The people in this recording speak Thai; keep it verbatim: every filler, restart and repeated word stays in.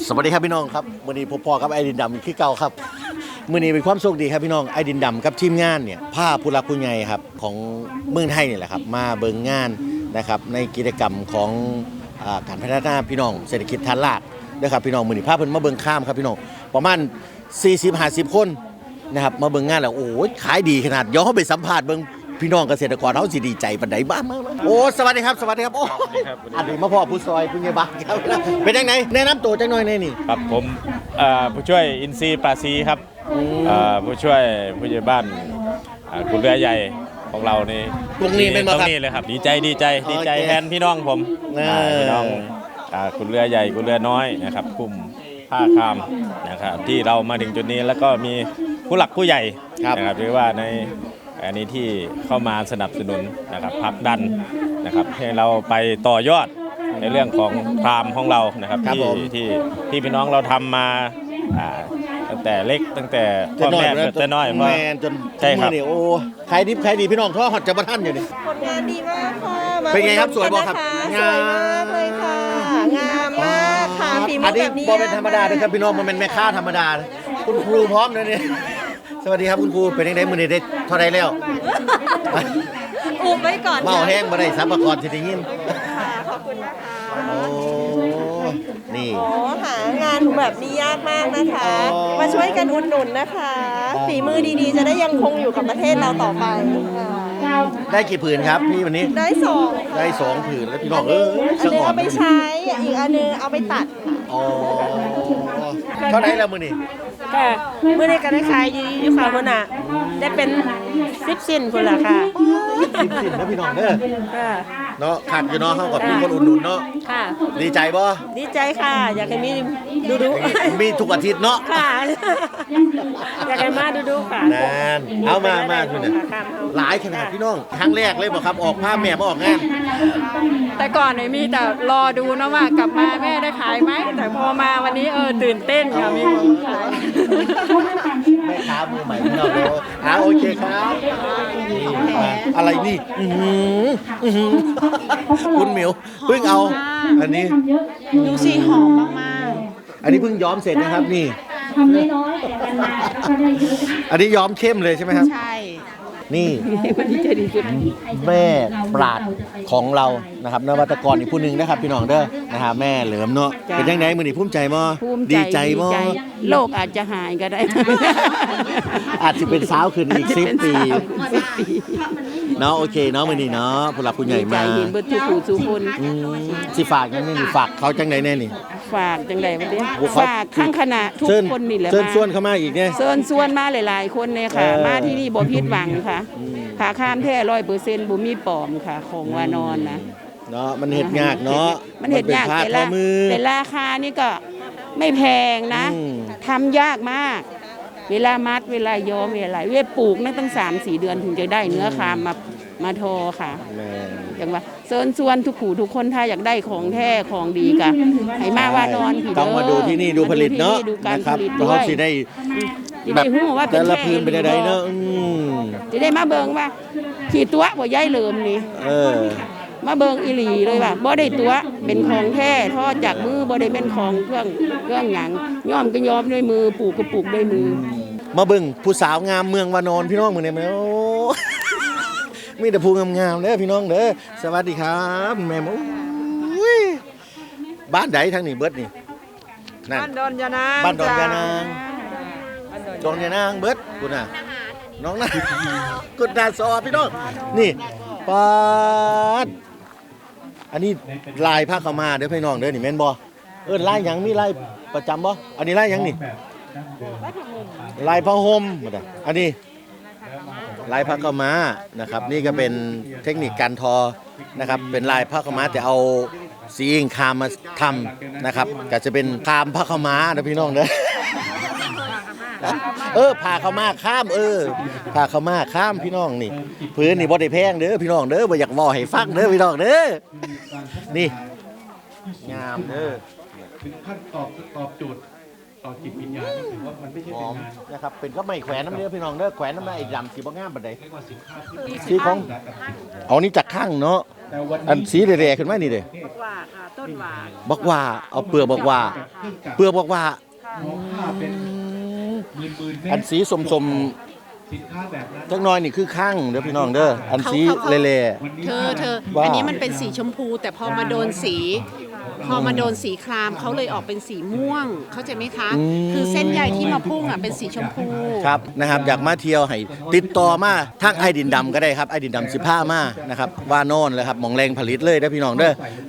สวัสดีครับพี่น้องครับมื้อนี้พบพ่อกับไอ้ดินดำคือเก่าครับมื้อนี้เป็นความโชคดีครับพี่น้องไอ้ดินดำกับทีมงานเนี่ยพาผู้หลักผู้ใหญ่ครับของเมืองไทยนี่แหละครับมาเบิ่งงานนะครับในกิจกรรมของอ่าการพัฒนาพี่น้องเศรษฐกิจฐานรากนะครับพี่น้องมื้อนี้พาเพิ่นมาเบิ่งข้ามครับพี่น้องประมาณ สี่สิบห้าสิบ คนนะครับมาเบิ่งงานแล้วโอ้ยขายดีขนาดย้อนเข้าไปสัมภาษณ์เบิ่งพี่น้องเกษตรกรเขาสิดีใจปานใดบ้างโอ้สวัสดีครับสวัสดีครับโอ้อันนี้มาพ่อผู้ซอยผู้ใหญ่บ้านครับเป็นจังไดแนะนำตัวจังหน่อยแน่นี่ครับผมเอ่อผู้ช่วยอินทรีย์ปราศีครับเอ่อผู้ช่วยผู้ใหญ่บ้านอ่าคุณเรือใหญ่ของเรานี่ตรงนี้เป็นบ่ตรครังบนี้เลยครับดีใจดีใจดีใจโอเคแทนพี่น้องผมเอออ่าพี่น้องอ่าคุณเรือใหญ่คุณเรือน้อยนะครับกลุ่มผ้าคามนะครับที่เรามาถึงจุดนี้แล้วก็มีผู้หลักผู้ใหญ่นะครับหรือว่าในอันนี้ที่เข้ามาสนับสนุนนะครับผลักดันนะครับให้เราไปต่อยอดในเรื่องของคามของเรานะครับครับที่ผมที่ที่พี่น้องเราทำมาอ่าตั้งแต่เล็กตั้งแต่พ่อแม่เกิดแต่น้อยแมนจนใช่ครับมื้อนี้โอ้ขายดิบขายดีพี่น้องท่อฮอดจะบ่ทันอยู่นี่ผลงานดีมากค่ะมาเป็นไงครับสวยบ่ครับสวยมากเลยค่ะ งามมากค่ะฝีมือัอนนี้แบบนี้บ่เป็นธรรมดาเด้อครับพี่น้องมันเป็นแม่ค้าธรรมดานะคุณครูพร้อมเลยนี่สวัสดีครับคุณครูเป็นจังไดมื้อนี้ได้เท่าใดแล้วอุบไว้ก่อนเมาแห้งบ่ได้สัมภาระสิได้ยินค่ะขอบคุณนะคะโอ้นี่โอ้หางานแบบนี้ยากมากนะคะอ๋อมาช่วยกันอุดหนุนนะคะฝีมือดีๆ จะได้ยังคงอยู่กับประเทศเราต่อไปค่ะได้กี่ผืนครับพี่วันนี้ได้สองค่ะได้สองผืนแล้วพี่น้องเอออันสะนึงอ่อนเอาไปใช้อีกอันนึงเอาไปตัดค่ะอ๋อเท่าไหร่แล้วมื้อนี้ค่ะเมื่อได้การได้ขายอยู่อยู่ค่ะคนน่ะได้เป็นสิบสิ้นคนละค่ะสิบสิบนะพี่น้องเด้อค่ะเนาะขาดอยู่เนาะเฮากับมีคนอุดหนุนเนาะค่ะดีใจบ่ดีใจค่ะ อยากให้มีดูดูมีทุกอาทิตย์เนาะค่ะ อยากให้มาดูดูค่ะนานเอามามาคุณน่ะค่ะเอาหลายขนาดพี่น้องครั้งแรกเลยบ่ครับออกภาพแม่มาออกงานแต่ก่อนเนี่ยมีแต่รอดูนะว่ากลับมาแม่ได้ขายไหมแต่พอมาวันนี้เออตื่นเต้นค่ะมีคนขายแม่ค้ามือใหม่พี่น้องเด้ออ่าโอเคครับนี่มาอะไรนี่อื้อหืออื้อหือคุณหมิวเพิ่งเอา อันนี้ดูสิหอมมากอันนี้เพิ่งย้อมเสร็จนะครับนี่ทำน้อยๆแต่กันหนักก็ได้เยอะอันนี้ย้อมเข้มเลยใช่ไหมครับๆ ใช่นี่วันนี้จะดีสุดแม่ปราดของเรานะครับนวัตกรอีกผู้หนึ่งนะครับพี่น้องเด้อนะครับแม่เหลิมเนาะเป็นยังไงมื้อนี้ภูมิใจบ่ภูมิใจดีใจบ่โลกอาจจะหายก็ได้อาจจะเป็นสาวขึ้นอีกสิบปีสิบปีเนาะโอเคเนาะมื้อนี้เนาะผู้หลักผู้ใหญ่ดีใจมาเห็นเบิดทุกผู้ทุกคนอืมสิฝากยังไงนี่ฝากเขาจังไดแน่นี่ฝากจังไดวันนี้โอ้ครับฝากข้างคณะทุกเชิญคนนี่แหละเชิญมาชวนเข้ามาอีกเนี่ยเชิญชวนมาหลาย ๆ คนเลยค่ะเออมาที่นี่บ่ผิดหวังค่ะขาข้ามแท้ร้อยเปอร์เซ็นต์บ่มีปลอมค่ะ ของวานอนนะเนาะมันเฮ็ดยากเนาะมันเห็ดยากป็ผ้แต่ทอละมือแต่ราคานี่ก็ไม่แพงนะอืมทำยากมาก เวลามัดเวลาย้อมเวลาเวลาปลูกนั่นตั้งสามสี่เดือนถึงจะได้เนื้อคามมามาทอค่ะแม่นอย่างว่าเชิญชวนทุกผู้ทุกคนถ้าอยากได้ของแท้ของดีกะให้มาว่านอนผีเด้อต้องมาดูที่นี่ดูผลิตเนาะดูการนะคผรับลิตเพด้วราะยสิได้จะแบได้บหู้ว่าเป็แต่นละแท้พื้นเป็นอะไรเนาะอืมจะได้มาเบิ่งว่าขี่ตัวบ่ย้ายเหลิมนี่เออมาเบิงอีหลีเลยว่าบ่ได้ตัวเป็นของแท้ทอดจากมือบ่ได้เป็นของเครื่องเครื่องหยังย้อมก็ย้อมด้วยมือปลูกก็ปลูกด้วยมือมาเบิ่งผู้สาวงามเมืองวานอนพี่น้องมื้อนี้แม่โอ้ มีแต่ผู้งามๆเด้อพี่น้องเด้อสวัสดีครับแม่โอ้ยบ้านใดทางนี้เบิดนี่นั่นบ้านดอนยานางบ้านดอนยานางดอนยานางเบิดคุณน่ะน้องนะ กุดดาซอพี่น้องนี่ปาดอันนี้ลายผ้าขาวมาเด้อพี่น้องเด้อนี่แม่นบ่เออลายหยังมีลายประจำบ่อันนี้ลายหยังนี่ลายผ้าห่มบ่ได้อันนี้ลายผ้าขาวมานะครับ นี่ก็เป็นเทคนิคการทอนะครับ เป็นลายผ้าขาวมาแต่เอาสีอิงคามมาทำนะครับก็จะเป็นคามผ้าขาวมาเด้อพี่น้องเด้อ เออผ่าเข้ามาข้ามเออผ่าเข้ามาข้ามพี่น้องนี่พื้นนี่บ่ได้แพงเด้อพี่น้องเด้อบ่อยากเว้าให้ฟังเด้อพี่น้องเด้อนี่งามเด้อถึงขั้นตอบตอบโจทย์ต่อจิตวิญญาณก็ถือว่ามันไม่ใช่หเป็อน มงานนะครับเป็นก็ไม่แขวนน้ำเนื้อพี่น้องเด้อแขวนน้ำเนื้อไอ้ดำสีบ่งามปานใดเรียกว่าสินค้าที่สีของเอานี่จากข้างเนาะแต่วันอันนี้สีแดงๆขึ้นมานี่เด้ว่าค่ะ ต้นว่าบอกว่าเอาเปลือกบอกว่า เปลือกบอกว่ามองผ้าเป็นหมื่นหมื่นเมอันตรสีสมสมสินค้าแบบนั้นๆจักหน้อยนี่คือข้างเด้อพี่น้องเด้ออันสีเละเธอเธอว่าอันนี้มันเป็นสีชมพู แต่พอมาโดนสี พอมาโดนสีครามเขาเลยออกเป็นสีม่วง เข้าใจไหมคะ คือเส้นใยที่มาพุ่งอ่ะเป็นสีชมพูๆครับนะครับอยากมาเที่ยวให้ติดต่อมาทางไอ้ดินดำก็ได้ครับไอ้ดินดำสิบห้ามานะครับว่านอนเลยครับหมองแรงผลิตเลยเด้อพี่น้องเด้อ